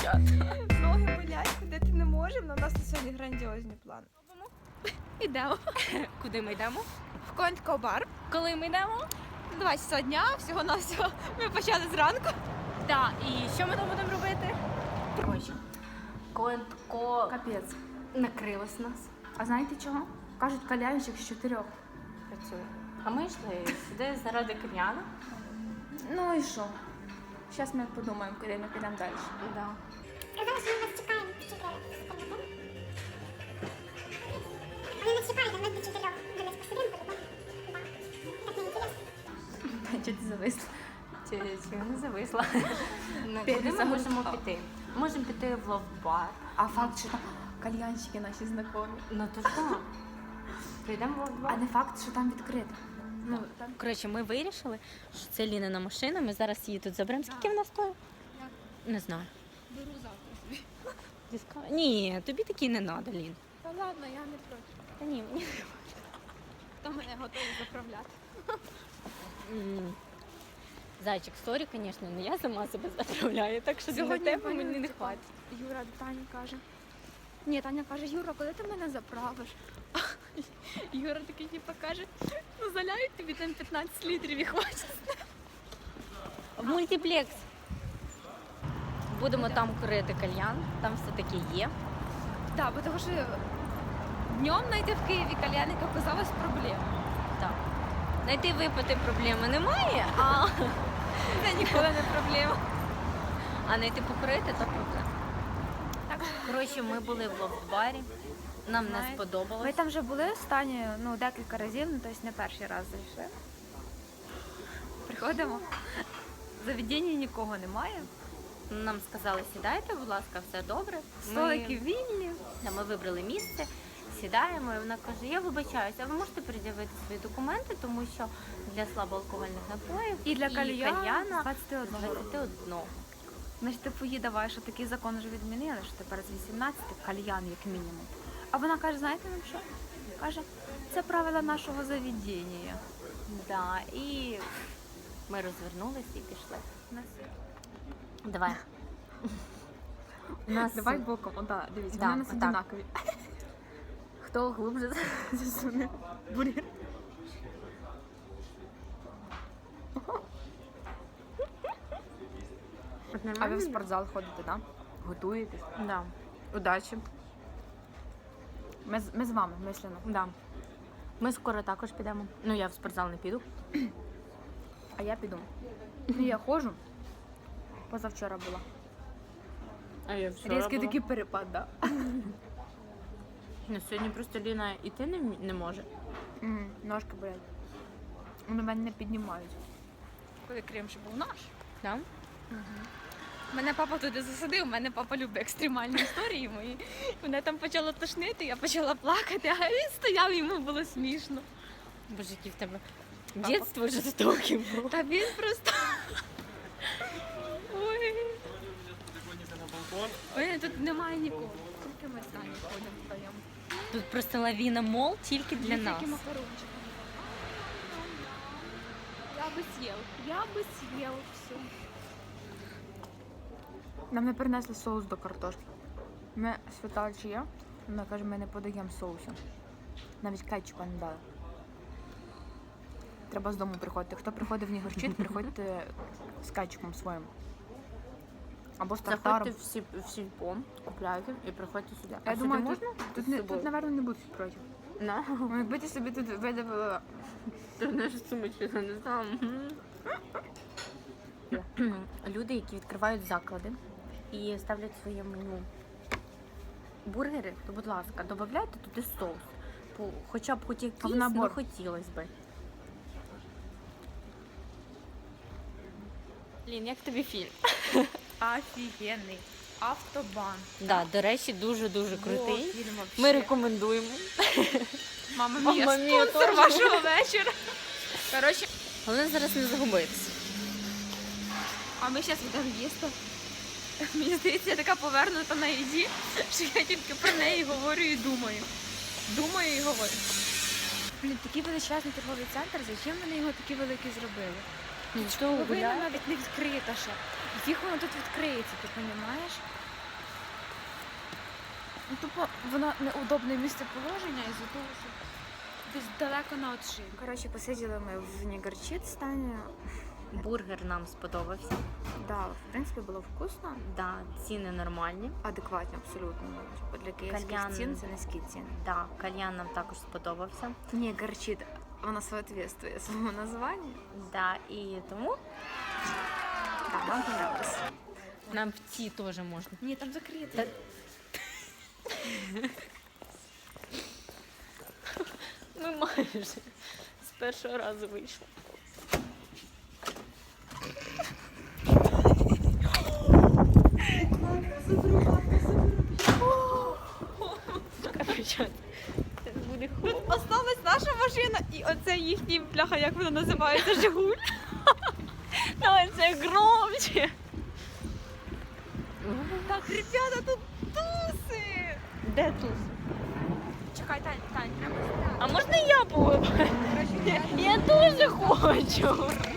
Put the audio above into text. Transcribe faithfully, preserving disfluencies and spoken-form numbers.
дівчата. Ноги болять, ходити не можемо, але у нас на сьогодні грандіозні плани. Ідемо. Куди ми йдемо? В Контко бар. Коли ми йдемо? Два часа дня, всього на всього. Ми почали зранку. Так, і що ми там будемо робити? Коротше, Контко Капець. накрилось нас. А знаєте чого? Кажуть, кальянчик з чотирьох працює. А ми йшли сюди заради кальяна. Ну і що? Зараз ми подумаємо, куди ми підемо далі. Да. Сказали, що ми вас чекаємо до чотирьох. Вони не чекають, а ми до чотирьох. Ми десь посидимо, по-любому. Так не інтересно. Чого ти зависла? Чи, чи не зависла? Ну, П'ять куди ми секунд. можемо піти? Можемо піти в лов-бар. А факт, що там кальянщики наші знайомі. Ну то ж так. Підемо в А лов-бар. не факт, що там відкрито. Ну, там... Коротше, ми вирішили, що це Лінина машина, ми зараз її тут заберемо. Скільки вона стоїть? Не знаю. Беру завтра собі. Дискав- Ні, тобі такі не треба, Лін. Та ладно, я не проти. Та ні, мені. Хто мене готовий заправляти? М. Зайчик, сорі, звісно, але я сама себе заправляю, так що для тебе мені не хватить. Юра до Тані каже. Ні, Таня каже, Юра, коли ти мене заправиш? Юра такий типу каже, ну заляють тобі там п'ятнадцять літрів і хватить. В мультиплекс. Будемо там курити кальян, там все-таки є. Так, бо тому що днем знайти в Києві кальяник оказалось проблема. Так. Знайти випити проблеми немає, а, Це ніколи не проблема. а знайти покурити то проблема. Так. Коротше, ми були в лов-барі, нам не Знаєте, сподобалось. Ми там вже були останні, ну, декілька разів, ну, тобто не перший раз зайшли. Приходимо, в заведенні нікого немає, Нам сказали, сідайте, будь ласка, все добре. столики вільні. Та ми вибрали місце, сідаємо, і вона каже, я вибачаюся, а ви можете пред'явити свої документи, тому що для слабоалкогольних напоїв І для кальяна кальяна з двадцяти одного року. двадцять один. Значить, типу, їй давай, що такий закон вже відмінили, що тепер з вісімнадцяти кальян як мінімум. А вона каже, знаєте нам що? Каже, це правила нашого заведення. Да, і ми розвернулися і пішли. У нас... Давай. У нас... Давай боком, о, да, дивіться, Да, вони у нас отак. однакові. Хто глибше Засуне бургер. А ви в спортзал ходите, так? Готуєтесь? Да. Удачі. Ми, з- ми з вами, мислено. Да. Ми скоро також підемо. Ну, я в спортзал не піду. А я піду. Ну, я ходжу. Позавчора була. А я Різкий такий перепад, так? Ну, сьогодні просто Ліна іти не, м- не може. М, Ножки болять. Вони мене не піднімають. Коли крем ще був наш. Да? Мене папа туди засадив, мене папа любить екстремальні історії мої. Мене там почало тошнити, я почала плакати, а він стояв, йому було смішно. Боже, які в тебе дитинство жорстоке було. Та він просто. Ой. Ой, тут немає нікого. Тільки ми самі ходимо вдвоєм. Тут просто лавіна мол тільки для Є нас. такі макарончики. Я би з'їв. Я би з'їв все. Нам не принесли соус до картошки. Ми спитали, чи є. Вона каже, ми не подаємо соусу. Навіть кетчупа не дали. Треба з дому приходити. Хто приходить в Нігорщит, приходьте з кетчупом своїм. Або з тартаром. Заходьте в, сіп, в сільпо, купляйте і приходьте сюди. Я а думаю, сюди тут, можна? тут, з не, собою? тут, напевно, не будуть проти. На. Ну, якби ти собі тут видавила. Ти знаєш сумочку, я не знаю. Люди, які відкривають заклади і ставлять своє меню бургери, то, будь ласка, додавайте туди соус. По- Хоча б хоч якийсь, набор? ну хотілося б. Лін, як тобі фільм? Офігенний. Автобан. Да, до речі, дуже-дуже О, крутий. фільм вообще. Ми рекомендуємо. Мама Мама мія, мія, спонсор теж. вашого вечора. Коротше, Головне зараз не загубитися. а ми зараз йдемо їсти. Мені здається, я така повернута на їді, що я тільки про неї говорю і думаю. Думаю і говорю. Блін, такий величезний торговий центр, зачем вони його такий великий зробили? Ну, що Половина гуляє? навіть не відкрита ще. Їх воно тут відкриється, ти розумієш? Ну, тупо воно неудобне місцеположення із-за того, що десь далеко на отшиб. Коротше, посиділи ми в Нігерчит стані. Бургер нам сподобався. Да, в принципі, було вкусно. Да, ціни нормальні. Адекватні абсолютно. Типу, для київських Кальян. цін це низькі ціни. Да, кальян нам також сподобався. Нігерчит, воно соответствує своєму названню. Да, і тому Так, нам понравилось. нам в ці теж можна. Ні, там закрито. Та- Ми майже з першого разу вийшли. Короче, це буде холодно. Осталась наша машина і оце їхній, бляха, як вона називається, Жигуль. Давай це громче. Так, ребята, тут туси. Де тут? Чекай, Тань, Тань, треба сюди. А можна я поливаю? Я дуже хочу.